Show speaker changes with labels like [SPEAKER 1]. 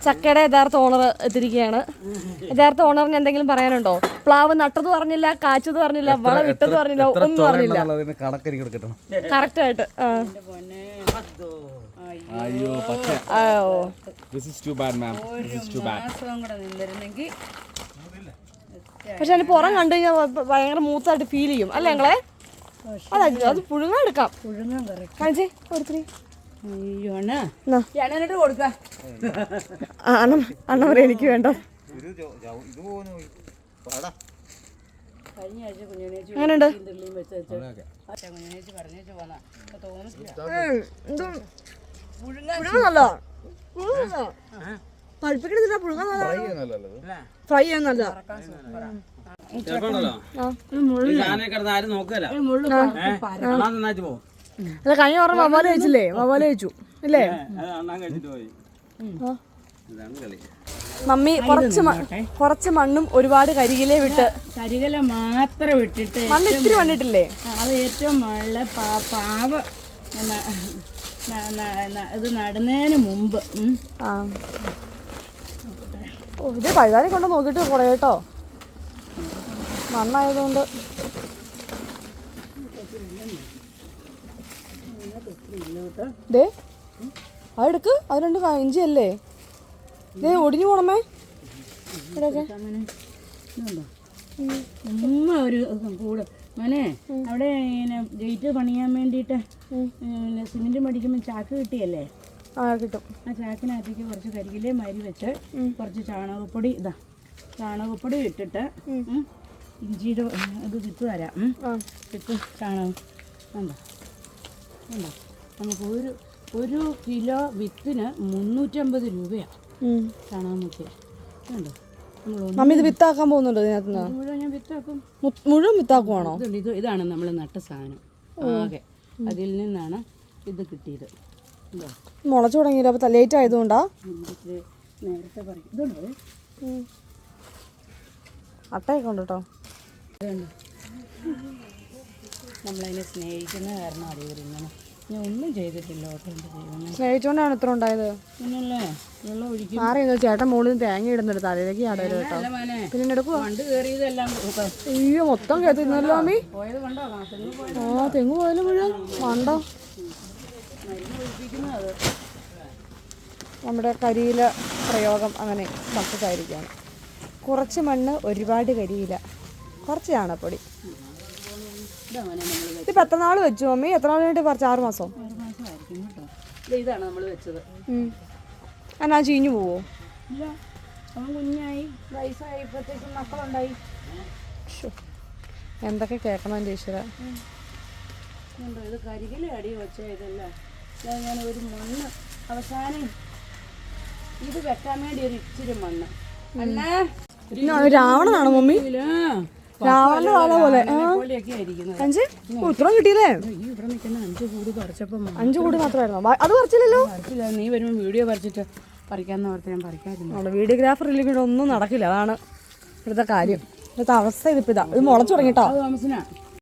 [SPEAKER 1] ചക്കയുടെ യഥാർത്ഥ ഓണർ എത്തിരിക്കുകയാണ്. യഥാർത്ഥ ഓണറിന് എന്തെങ്കിലും പറയാനുണ്ടോ? പ്ലാവ് നട്ടത് പറഞ്ഞില്ല, കാച്ചത് പറഞ്ഞില്ല, വളം ഇട്ടത് പറഞ്ഞില്ല, ഒന്നും പറഞ്ഞില്ല. കറക്റ്റ് ആയിട്ട്. പക്ഷെ അതിന് പുറം കണ്ടു കഴിഞ്ഞാൽ ഭയങ്കര മൂത്തായിട്ട് ഫീൽ ചെയ്യും അല്ലേ ഞങ്ങളെ? അത് പുഴുങ്ങാൻ എടുക്കാം. കാണിച്ചേ ഒരുത്തിരി. അണ്ണ പറയാ എനിക്ക് വേണ്ട. അങ്ങനെയുണ്ട്. പുഴുങ്ങാനല്ലോ പഴുപ്പിക്കണ പുഴുങ്ങാൻ ഫ്രൈ ചെയ്യാൻ നല്ല. അല്ല കഴിഞ്ഞ ഓർമ്മ വവ്വാല് കഴിച്ചില്ലേ? വവ്വാല് കഴിച്ചു ഇല്ലേ? മമ്മി കുറച്ച് മണ്ണും ഒരുപാട് കരികിലെ വിട്ട്.
[SPEAKER 2] കരികില മാത്രം വിട്ടിട്ട്
[SPEAKER 1] മണ്ണ് ഇത്തിരി മണ്ണിട്ടില്ലേ?
[SPEAKER 2] അത് ഏറ്റവും നല്ല പാവ ഇത് നടുന്നതിന് മുമ്പ്.
[SPEAKER 1] ഇത് പഴുതാനെ കൊണ്ട് നോക്കിയിട്ട് കുറേ കേട്ടോ, മണ്ണായതുകൊണ്ട്. ദേ അതെടുക്ക്, അത് രണ്ട് ഇഞ്ചിയല്ലേ? ദേ ഒടിഞ്ഞു പോണമേ.
[SPEAKER 2] ഒരു കൂട് മോനെ അവിടെ ഇങ്ങനെ ഗേറ്റ് പണിയാൻ വേണ്ടിയിട്ട് സിമെന്റ് മടിക്കുമ്പോൾ ചാക്ക് കിട്ടിയല്ലേ?
[SPEAKER 1] കിട്ടും.
[SPEAKER 2] ആ ചാക്കിനകത്തേക്ക് കുറച്ച് കരികിലേ മരി വെച്ച് കുറച്ച് ചാണകപ്പൊടി ചാണകപ്പൊടി ഇട്ടിട്ട് ഇഞ്ചിയുടെ ഇത് വിത്ത് തരാം. വിത്ത് ചാണകം ഉണ്ടോ ഉണ്ടോ? നമുക്ക് ഒരു കിലോ വിത്തിന് 350 രൂപയാണ് ചാണകം മുക്കിയ. ഉണ്ടോ?
[SPEAKER 1] മമ്മി ഇത് വിത്താക്കാൻ പോകുന്നുണ്ടോ? ഇതിനകത്ത്
[SPEAKER 2] മുഴുവൻ ഞാൻ വിത്താക്കും.
[SPEAKER 1] മുഴുവൻ വിത്താക്കുവാണോ?
[SPEAKER 2] ഇതാണ് നമ്മൾ നട്ട സാധനം ആകെ. അതിൽ നിന്നാണ് ഇത് കിട്ടിയത്.
[SPEAKER 1] മുളച്ചു തുടങ്ങിയില്ല. അപ്പൊ ലേറ്റ് ആയതുകൊണ്ടാ
[SPEAKER 2] നേരത്തെ പറയും. ഇതുണ്ടോ
[SPEAKER 1] അട്ടയൊക്കെ ഉണ്ട് കേട്ടോ.
[SPEAKER 2] നമ്മളതിനെ സ്നേഹിക്കുന്ന കാരണം അറിയിങ്ങനെ. ഞാൻ ഒന്നും ചെയ്തിട്ടില്ല കേട്ടോ.
[SPEAKER 1] സ്നേഹിച്ചോണ്ടാണ് ഇത്ര ഉണ്ടായത്.
[SPEAKER 2] പിന്നല്ലേ വെള്ളം ഒഴിക്കും.
[SPEAKER 1] മാറിയോ ചേട്ടൻ മുകളിൽ തേങ്ങ ഇടുന്നുണ്ട് തലയിലേക്ക് ആടല്ലോ കേട്ടോ. പിന്നെ എടുക്കുക.
[SPEAKER 2] പണ്ട് കയറിയതെല്ലാം
[SPEAKER 1] അയ്യോ മൊത്തം കേട്ടിരുന്നല്ലോ മമ്മി.
[SPEAKER 2] പോയത് കണ്ടോ?
[SPEAKER 1] തെങ്ങ് പോയാലും മുഴുവൻ മണ്ടോ. നമ്മുടെ കരിയില പ്രയോഗം അങ്ങനെ സക്സസ് ആയിരിക്കുകയാണ്. കുറച്ച് മണ്ണ് ഒരുപാട് കരിയില, കുറച്ച് ചാണകപ്പൊടി. ഇതിപ്പോൾ എത്ര നാൾ വെച്ചു മമ്മി? എത്ര നാൾ വേണ്ടി പറിച്ചു? 6 മാസം.
[SPEAKER 2] ഇതാണ് നമ്മൾ വെച്ചത്.
[SPEAKER 1] എന്നാ ചീഞ്ഞു പോവോ?
[SPEAKER 2] ഇല്ല, അവൻ കുഞ്ഞായി വയസ്സായി ഇപ്പോഴത്തേക്കും മക്കളുണ്ടായി.
[SPEAKER 1] എന്തൊക്കെ കേൾക്കണം എൻ്റെ ഈശ്വര.
[SPEAKER 2] ഇത് കരികിലെ അടി വെച്ച ഇതല്ല. ഞാൻ ഒരു മണ്ണ് അവസാനം ഇത് വെക്കാൻ വേണ്ടി ഒരു ഇച്ചിരി മണ്ണ്.
[SPEAKER 1] രാവണനാണോ മമ്മി? രാവണന്റെ വാല പോലെ ഉത്തരം കിട്ടിയില്ലേ?
[SPEAKER 2] ഇവിടെ നിൽക്കുന്ന 5 കൂട് പറിച്ചപ്പോ
[SPEAKER 1] 5 കൂടി മാത്രമായിരുന്നോ? അത് പറിച്ചില്ലല്ലോ.
[SPEAKER 2] നീ വരുമ്പോൾ വീഡിയോ പറിച്ചിട്ട് പറിക്കാന്ന് ഓർത്ത് ഞാൻ പറിക്കാതിരുന്നു.
[SPEAKER 1] വീഡിയോഗ്രാഫർ ഇല്ലെങ്കിൽ ഒന്നും നടക്കില്ല. അതാണ് ഇവിടുത്തെ കാര്യം. ഇവിടുത്തെ അവസ്ഥ ഇതിപ്പോ ഇതാ. ഇത് മുളച്ചു തുടങ്ങിട്ടോ.
[SPEAKER 2] താമസിനാ